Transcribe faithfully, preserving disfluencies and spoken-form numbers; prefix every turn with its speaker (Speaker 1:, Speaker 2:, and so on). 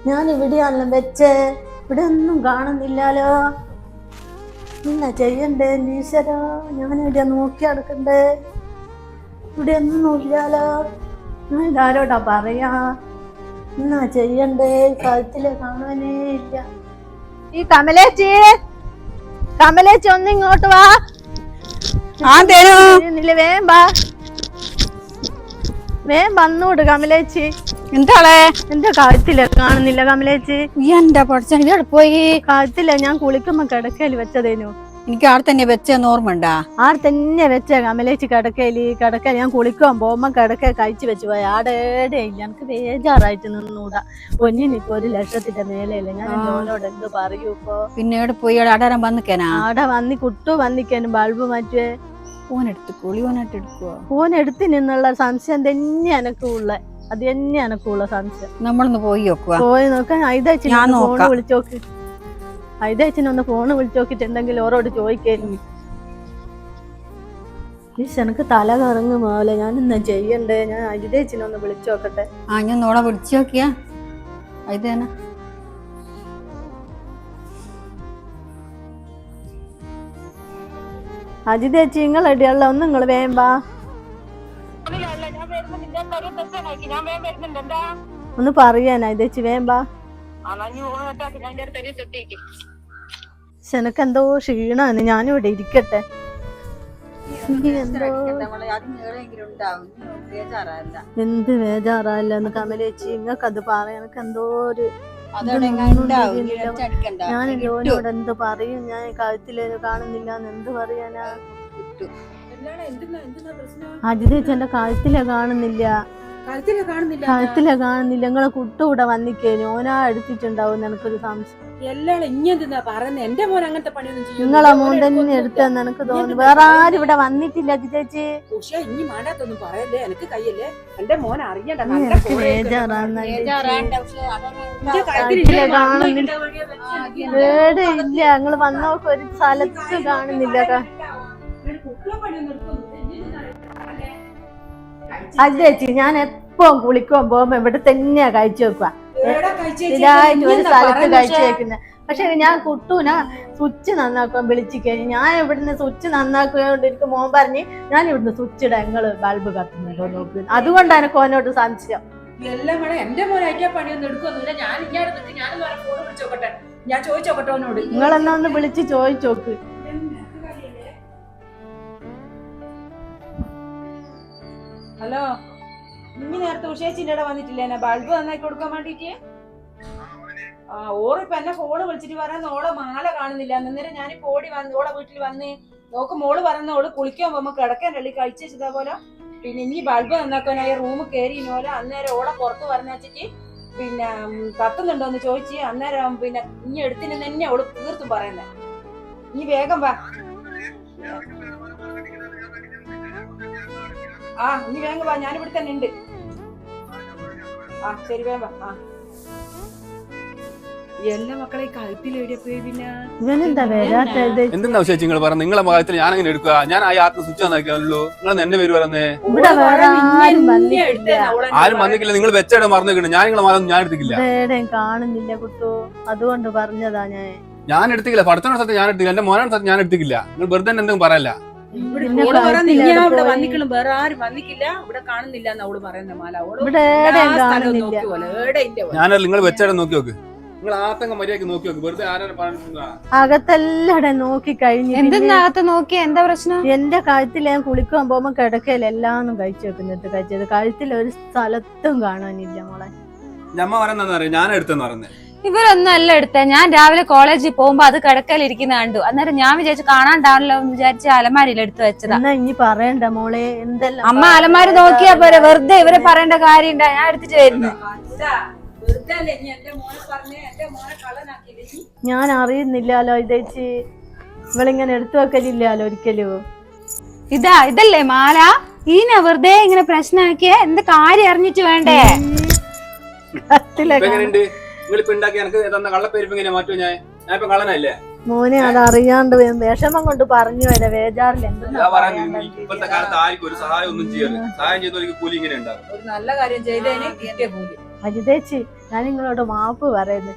Speaker 1: ഞാൻ ഇവിടെയാണല്ലോ വെച്ചേ, ഇവിടെ ഒന്നും കാണുന്നില്ലാലോ. എന്നാ ചെയ്യണ്ടേ ഈശ്വരാ? ഞാൻ ഇവിടെ നോക്കി നടക്കണ്ടേ? ഇവിടെ ഒന്നും ഇല്ലാലോ. ഞാൻ ഇതാരോടാ പറയാ? എന്നാ ചെയ്യണ്ടേ? കഴുത്തില് കാണാനേ ഇല്ല. ഈ കമലേച്ചി, കമലേച്ചി ഒന്ന് ഇങ്ങോട്ട് വാ. വേം വാ, വേം വന്നൂട് കമലേച്ചി.
Speaker 2: എന്താളെ
Speaker 1: എന്റെ കഴുത്തില് കാണുന്നില്ല കമലേച്ചി.
Speaker 2: എന്താ പഠിച്ച പോയി?
Speaker 1: കഴുത്തില്ല, ഞാൻ കുളിക്കുമ്പോ കിടക്കയില് വെച്ചതേനു.
Speaker 2: എനിക്ക് ആടെ തന്നെ വെച്ചെന്ന് ഓർമ്മ ഉണ്ടാ?
Speaker 1: ആടെ തന്നെ വെച്ച കമലേച്ചി കിടക്കയില്. കിടക്ക ഞാൻ കുളിക്കാൻ പോകുമ്പോ കിടക്ക കഴിച്ചു വെച്ചു പോയി. ആടേടെ ഇല്ല. എനിക്ക് ബേജാറായിട്ട് നിന്നൂടാ. ഒന്നിനിപ്പോ ഒരു ലക്ഷത്തിന്റെ മേലെയല്ലേ. ഞാൻ ജോനോട് എന്ത് പറയൂ ഇപ്പൊ?
Speaker 2: പിന്നെ എവിടെ പോയി? ആടാരം വന്നിക്കാനാ?
Speaker 1: ആടെ വന്നി കുട്ടു വന്നിക്കാനും ബൾബ് മാറ്റുവേ.
Speaker 2: ഫോണെടുത്തുക്കോളി, ഓനായിട്ട് എടുക്കുവോ?
Speaker 1: ഫോൺ എടുത്തു നിന്നുള്ള സംശയം തന്നെ എനക്കുള്ള. അത് തന്നെ എനക്കുള്ള സംശയം.
Speaker 2: നമ്മളൊന്ന് പോയി നോക്കുക.
Speaker 1: പോയി നോക്കാൻ ഐതച്ചിന് ഫോണ് വിളിച്ചോക്ക്. ഐതച്ചിനൊന്ന് ഫോണ് വിളിച്ചോക്കിട്ടുണ്ടെങ്കിൽ ഓരോട് ചോദിക്കായിരുന്നു. എനിക്ക് തല കറങ്ങും പോലെ. ഞാൻ എന്നാ ചെയ്യണ്ടേ? ഞാൻ അജിതേച്ചിനൊന്ന് വിളിച്ചു നോക്കട്ടെ.
Speaker 2: ആ ഞാൻ നോളെ വിളിച്ചു നോക്കിയാ ഇതേനാ.
Speaker 1: അജിതേച്ചി നിങ്ങളടിയുള്ള ഒന്ന് നിങ്ങൾ വേമ്പാ ഒന്ന് പറയാനാ ഇതേച്ചി വേമ്പാ. എനക്കെന്തോ ക്ഷീണാണ്. ഞാനും ഇവിടെ ഇരിക്കട്ടെ. എന്ത് ബേജാറല്ല കമലേച്ചി, നിങ്ങക്കത് പറയാ. എനക്ക് എന്തോ ഒരു ഞാൻ ജോലിയോട് എന്ത് പറയും? ഞാൻ കഴുത്തിലേന് കാണുന്നില്ല എന്ത് പറയാനാ? അജിതേച്ചി എന്റെ കഴുത്തിലെ കാണുന്നില്ല. കഴുത്തിലെ കാണുന്നില്ല. നിങ്ങളെ കുട്ടൂടെ വന്നിക്കേനു. ഓനാ എടുത്തിട്ടുണ്ടാവും എനിക്കൊരു സംശയം. നിങ്ങളെ മോൻ തന്നെ എടുത്തെന്ന് എനിക്ക് തോന്നുന്നു. വേറെ ആരും ഇവിടെ വന്നിട്ടില്ല അജിതേച്ചി. ഇല്ല, നിങ്ങള് വന്നോക്ക് ഒരു സ്ഥലത്ത് കാണുന്നില്ല. അജിതേച്ചി ഞാൻ എപ്പം കുളിക്കുവാൻ പോകുമ്പോ ഇവിടെ തന്നെയാ കഴിച്ചു വെക്കുക. ഇതായിട്ട് ഒരു സ്ഥലത്ത് കഴിച്ചു വെക്കുന്നത്. പക്ഷെ ഞാൻ കുട്ടൂന സ്വിച്ച് നന്നാക്കുവാൻ വിളിച്ചു കഴിഞ്ഞു. ഞാൻ ഇവിടുന്ന് സ്വിച്ച് നന്നാക്കുകയോണ്ട് എനിക്ക് മോൻ പറഞ്ഞ് ഞാൻ ഇവിടുന്ന് സ്വിച്ച് ഇടാ, നിങ്ങള് ബൾബ് കത്തുന്നുണ്ടോ നോക്ക്. അതുകൊണ്ടാണ് എനിക്ക് ഓനോട് സംശയം.
Speaker 3: എല്ലാം കൂടെ എന്റെ മോനെ അയക്കാൻ പണിയൊന്നും എടുക്കൊന്നുമില്ല. ഞാൻ ഇങ്ങനെ ഞാൻ ഫോൺ വിളിച്ചോക്കട്ടെ, ഞാൻ ചോദിച്ചോക്കട്ടെ ഓനോട്.
Speaker 1: നിങ്ങളെന്നാ ഒന്ന് വിളിച്ച് ചോദിച്ചോക്ക്.
Speaker 3: ഹലോ, ഇനി നേരത്തെ ഉഷേച്ചിന്റെ ഇവിടെ വന്നിട്ടില്ലേ ബൾബ് നന്നാക്കി കൊടുക്കാൻ വേണ്ടിട്ട്? ആ ഓറിപ്പൊ എന്നെ ഫോണ് വിളിച്ചിട്ട് പറയുന്ന ഓളെ മാല കാണുന്നില്ല. അന്നേരം ഞാനിപ്പോ ഓടി വന്ന് ഓളെ വീട്ടിൽ വന്ന് നോക്കും. മോള് പറയുന്ന ഓള് കുളിക്കാൻ പോകുമ്പോ കിടക്കാൻ രള്ളി കഴിച്ചു വെച്ചതാ പോലെ. പിന്നെ ഇനി ബൾബ് നന്നാക്കാനായി റൂമ് കയറി പോലെ. അന്നേരം ഓളെ പുറത്ത് പറഞ്ഞു വെച്ചിട്ട് പിന്നെ കത്തുന്നുണ്ടോന്ന് ചോദിച്ച് അന്നേരം പിന്നെ ഇനി എടുത്തിന് തന്നെ ഓള് തീർത്തും പറയുന്നേ. ഇനി വേഗം വാ. ആ ഇനി വേഗം വാ, ഞാനിവിടെ തന്നെ ഉണ്ട്. ആ ശരി വേഗം വാ. ആ എല്ലാ മക്കളെ കഴുത്തിലെവിടെ പോയി? പിന്നെ
Speaker 4: എന്തെന്നാ വിശേഷം നിങ്ങൾ പറഞ്ഞ? നിങ്ങളെ ഭാഗത്തിൽ ഞാൻ അങ്ങനെ എടുക്കുക? ഞാൻ ആ യാത്ര സ്വിച്ച് നന്നാക്കിയാണല്ലോ. നിങ്ങൾ എന്റെ പേര് പറയുന്നേ. ആരും വന്നിട്ടില്ല. നിങ്ങൾ വെച്ചേടെ മറന്നിട്ടുണ്ട്. ഞാൻ നിങ്ങളെ മാസം ഞാൻ എടുത്തിട്ടില്ല.
Speaker 1: കാണുന്നില്ല കുട്ടു, അതുകൊണ്ട് പറഞ്ഞതാ. ഞാൻ
Speaker 4: ഞാൻ എടുത്തില്ല. പഠിത്തന സ്ഥലത്ത് ഞാൻ എടുത്തില്ല. എന്റെ മോനാണ് സ്ഥലത്ത് ഞാൻ എടുത്തില്ല. നിങ്ങൾ വെറുതെ എന്തെങ്കിലും പറയല്ല.
Speaker 3: ഇവിടെ വന്നിക്കളും വേറെ ആരും വന്നിക്കില്ല. ഇവിടെ കാണുന്നില്ല എന്ന് അവള് പറയുന്ന മാല.
Speaker 4: ഞാനല്ല, നിങ്ങൾ വെച്ചേടെ നോക്കി നോക്ക്. നിങ്ങൾ ആത്തങ്ങ മര്യാദക്ക് നോക്കി നോക്ക്. വെറുതെ ആരും പറഞ്ഞിട്ടുണ്ടാ?
Speaker 1: അകത്തെല്ലാം നോക്കി കഴിഞ്ഞു.
Speaker 2: എന്തെന്നകത്ത് നോക്കി? എന്താ പ്രശ്നം?
Speaker 1: എന്റെ കഴുത്തിൽ ഞാൻ കുളിക്കാൻ പോകുമ്പോ കിടക്കയിൽ എല്ലാം കഴിച്ചു വെക്കുന്നിട്ട് കഴിച്ചത്. കഴുത്തിൽ ഒരു സ്ഥലത്തും കാണാനില്ല മോളെ.
Speaker 4: ഞമ്മ പറയുന്ന ഞാൻ എടുത്തെന്ന് പറയുന്നത്.
Speaker 2: ഇവരൊന്നും അല്ല എടുത്തേ. ഞാൻ രാവിലെ കോളേജിൽ പോകുമ്പോ അത് കിടക്കലിരിക്കുന്ന കണ്ടു. അന്നേരം ഞാൻ വിചാരിച്ചു കാണാണ്ടാണല്ലോ എന്ന് വിചാരിച്ച് അലമാരിയിൽ എടുത്തു വെച്ചതാ.
Speaker 1: എന്നാ ഇനി പറയണ്ട മോളെ. എന്തെല്ലാം
Speaker 2: അമ്മ അലമാരി നോക്കിയാ പോരെ, വെറുതെ ഇവരെ പറയേണ്ട കാര്യം ഉണ്ടാ. ഞാൻ എടുത്തിട്ട് വരുന്നു.
Speaker 1: ഞാൻ അറിയുന്നില്ലല്ലോ ഇതേച്ചി. ഇവളിങ്ങനെ എടുത്തു വെക്കലില്ലല്ലോ ഒരിക്കലും.
Speaker 2: ഇതാ ഇതല്ലേ മാല? ഈന വെറുതെ ഇങ്ങനെ പ്രശ്നമാക്കിയ എന്ത് കാര്യം അറിഞ്ഞിട്ട് വേണ്ടേ?
Speaker 1: മോനെ അത് അറിയാണ്ട് വിഷമം കൊണ്ട് പറഞ്ഞു വരെ വേജാറില്ല.
Speaker 3: ഒരു നല്ല കാര്യം ചെയ്തതിന് കിട്ടിയ കൂലി.
Speaker 1: വനിതേച്ചി ഞാൻ നിങ്ങളോട് മാപ്പ് പറയുന്നു.